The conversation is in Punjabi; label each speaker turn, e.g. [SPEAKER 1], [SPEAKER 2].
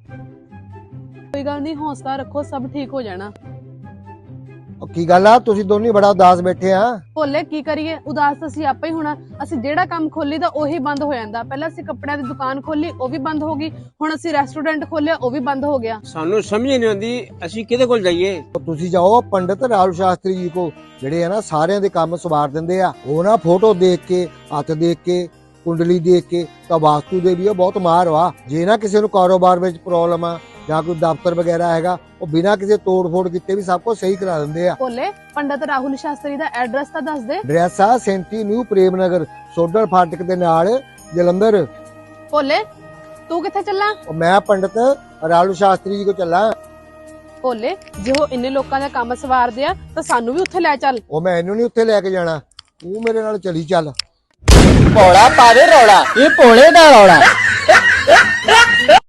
[SPEAKER 1] कोई गल नहीं, हौसला रखो, सब ठीक हो जाना।
[SPEAKER 2] की गल आ तुसीं दोनों बड़ा उदास बैठे आ?
[SPEAKER 1] ਭੋਲੇ ਕੀ ਕਰੀਏ, ਉਦਾਸ ਤਾਂ ਅਸੀਂ ਆਪੇ ਹੀ ਹੋਣਾ। ਅਸੀਂ ਜਿਹੜਾ ਕੰਮ ਖੋਲੀ ਤਾਂ ਉਹੀ ਬੰਦ ਹੋ ਜਾਂਦਾ। ਪਹਿਲਾਂ ਅਸੀਂ ਕੱਪੜਿਆਂ ਦੀ ਦੁਕਾਨ ਖੋਲੀ, ਉਹ ਵੀ ਬੰਦ ਹੋ ਗਈ। ਹੁਣ ਅਸੀਂ ਰੈਸਟੋਰੈਂਟ ਖੋਲਿਆ, ਉਹ ਵੀ ਬੰਦ ਹੋ ਗਿਆ।
[SPEAKER 3] ਸਾਨੂੰ ਸਮਝ ਨਹੀਂ ਆਉਂਦੀ ਅਸੀਂ ਕਿਹਦੇ ਕੋਲ ਜਾਈਏ।
[SPEAKER 2] ਤੁਸੀਂ ਜਾਓ ਪੰਡਿਤ ਰਾਹੁਲ ਸ਼ਾਸਤਰੀ ਜੀ ਕੋ, ਜਿਹੜੇ ਆ ਨਾ ਸਾਰਿਆਂ ਦੇ ਕੰਮ ਸਵਾਰ ਦਿੰਦੇ ਆ। ਉਹ ਨਾ ਫੋਟੋ ਦੇਖ ਕੇ, ਹੱਥ ਦੇਖ ਕੇ, ਕੁੰਡਲੀ ਦੇਖ ਕੇ ਤਾਂ ਵਾਸਤੂ ਦੇ ਵੀ ਬਹੁਤ ਮਾਹਰ ਵਾ। ਜੇ ਨਾ ਕਿਸੇ ਨੂੰ ਕਾਰੋਬਾਰ ਵਿੱਚ ਪ੍ਰੋਬਲਮ ਆ ਜਾਂ ਕੋਈ ਦਫ਼ਤਰ ਵਗੈਰਾ ਹੈਗਾ, ਉਹ ਬਿਨਾਂ ਕਿਸੇ ਤੋੜ ਫੋੜ ਕੀਤੇ ਵੀ ਸਭ ਕੁਝ ਸਹੀ ਕਰਾ ਦਿੰਦੇ ਆ।
[SPEAKER 1] ਭੋਲੇ ਪੰਡਿਤ ਰਾਹੁਲ ਸ਼ਾਸਤਰੀ ਦਾ ਐਡਰੈਸ ਤਾਂ ਦੱਸ ਦੇ।
[SPEAKER 2] ਐਡਰੈਸ ਆ 37 ਨਿਊ ਪ੍ਰੇਮ ਨਗਰ, ਸੋਡਲ ਫਾਟਕ ਦੇ ਨਾਲ, ਜਲੰਧਰ।
[SPEAKER 1] ਭੋਲੇ ਤੂੰ ਕਿੱਥੇ ਚੱਲਾਂ?
[SPEAKER 2] ਉਹ ਮੈਂ ਪੰਡਿਤ ਰਾਹੁਲ ਸ਼ਾਸਤਰੀ ਜੀ ਕੋ ਚੱਲਾਂ।
[SPEAKER 1] ਭੋਲੇ ਜੇ ਉਹ ਇੰਨੇ ਲੋਕਾਂ ਦਾ ਕੰਮ ਸਵਾਰਦੇ ਆ ਤਾਂ ਸਾਨੂੰ ਵੀ ਉੱਥੇ ਲੈ ਚੱਲ।
[SPEAKER 2] ਉਹ ਮੈਂ ਇਹਨੂੰ ਨਹੀਂ ਉੱਥੇ ਲੈ ਕੇ ਜਾਣਾ, ਤੂੰ ਮੇਰੇ ਨਾਲ ਚਲੀ ਚੱਲ।
[SPEAKER 4] ਭੋਲਾ ਪਾਵੇ ਰੌਲਾ, ਇਹ ਭੋਲੇ ਦਾ ਰੌਲਾ।